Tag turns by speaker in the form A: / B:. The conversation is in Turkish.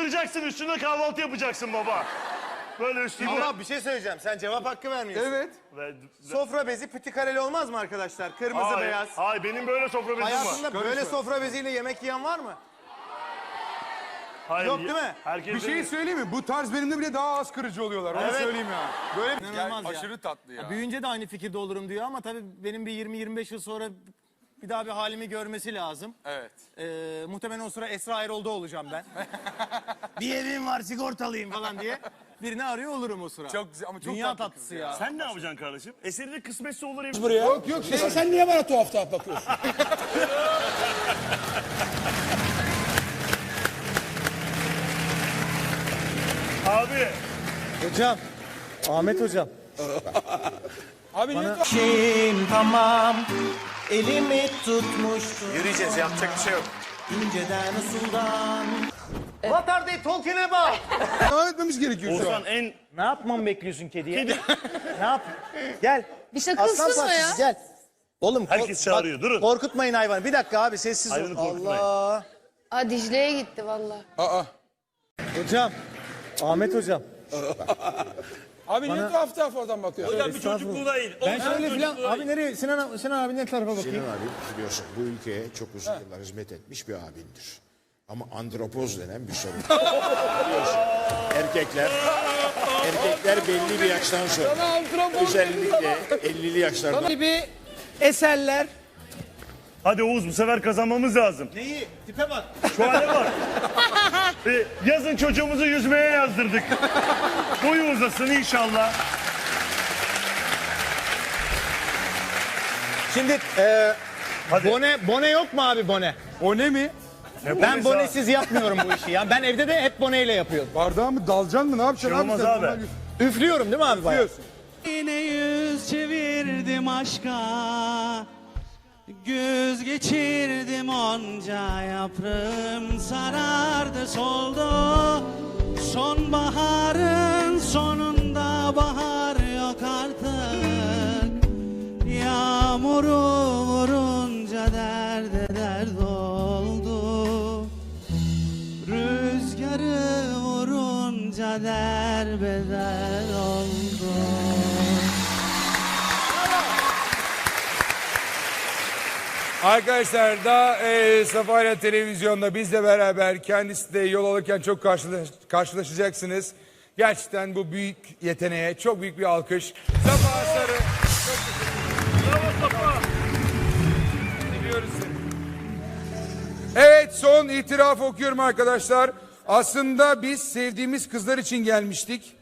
A: ısıracaksın, üstüne kahvaltı yapacaksın baba. Böyle üstüne.
B: Ama bir şey söyleyeceğim. Sen cevap hakkı vermiyorsun.
C: Evet.
B: Sofra bezi pütü kareli olmaz mı arkadaşlar? Kırmızı
A: Hayır,
B: beyaz.
A: hayır, benim böyle sofra bezim var.
B: Hayatında böyle sofra beziyle yemek yiyen var mı?
A: Hayır,
B: Yok değil mi?
A: Herkes
C: Bir şey söyleyeyim mi? Bu tarz benimle bile daha az kırıcı oluyorlar. Onu
B: Evet.
C: söyleyeyim ya. Böyle
B: İnanılmaz ya.
C: aşırı tatlı ya.
B: Büyüyünce de aynı fikirde olurum diyor ama tabii benim bir 20-25 yıl sonra bir daha bir halimi görmesi lazım.
C: Evet.
B: Muhtemelen o sıra Esra Erol'da olacağım ben. bir evim var sigortalıyım falan diye. Birini arıyor olurum o sıra.
C: Çok güzel ama çok
B: Dünya
C: tatlı
B: tatlısı ya.
A: Sen ne yapacaksın kardeşim? Eseri de kısmetse olur ya.
C: Buraya. Yok yok.
D: Sen niye bana tuhaf tuhaf bakıyorsun?
A: Abi.
B: Hocam. Ahmet hocam.
C: Abi niye tuhaf?
E: Şeyim tamam, elimi tutmuştu
B: Yürüyeceğiz, yapacak bir şey yok.
E: inceden usuldan.
B: What are they talking about?
C: Devam etmemiz gerekiyor şu an.
A: Oğuzhan en...
B: Ne yapmamı bekliyorsun kediye? ne yap? Gel.
F: Bir şakasız mı ya?
B: Gel. Oğlum
A: Herkes çağırıyor, durun.
B: Korkutmayın hayvanı. Bir dakika abi sessiz ol.
A: Hayvanı korkutmayın.
B: Allah.
F: Aa Dicle'ye gitti valla.
C: Aa.
B: Hocam. Ahmet hocam.
D: Abi niye tuhaf tuhaf oradan bakıyorsun?
A: Hocam bir çocukluğuna in.
B: Ben şöyle filan. Abi nereye? Sinan abi ne tarafa bakayım?
G: Sinan abi biliyorsun bu ülkeye çok uzun yıllar hizmet etmiş bir abindir. Ama andropoz denen bir sorun. Biliyorsun, erkekler belli bir yaştan sonra özellikle 50'li yaşlardan
E: Gibi eserler.
A: Hadi Oğuz, bu sefer kazanmamız lazım.
B: Neyi? Tipe bak.
A: Şu hale bak. Yazın çocuğumuzu yüzmeye yazdırdık. Boyu uzasın inşallah.
B: Şimdi
A: Hadi.
B: bone yok mu abi bone?
C: O ne mi?
B: Ben bonesiz yapmıyorum bu işi ya. Ben evde de hep boneyle yapıyorum.
C: Bardağı mı dalacaksın mı? Ne yapacaksın
A: Şey olmaz
C: sen?
A: abi.
C: Normal
B: Üflüyorum değil mi abi bayağı?
C: Üflüyorsun.
E: Yine yüz çevirdim aşka. Göz geçirdim onca yaprağım sarardı soldu. Sonbaharın sonunda bahar yok artık. Yağmuru vurunca derde dert oldu. Rüzgarı vurunca derbeder oldu.
C: Arkadaşlar da Safarya Televizyon'da bizle beraber kendisi de yol alırken çok karşılaşacaksınız. Gerçekten bu büyük yeteneğe çok büyük bir alkış. Safa Sarı. Çok teşekkür ederim. Biliyoruz seni. Evet, son itiraf okuyorum arkadaşlar. Aslında biz sevdiğimiz kızlar için gelmiştik.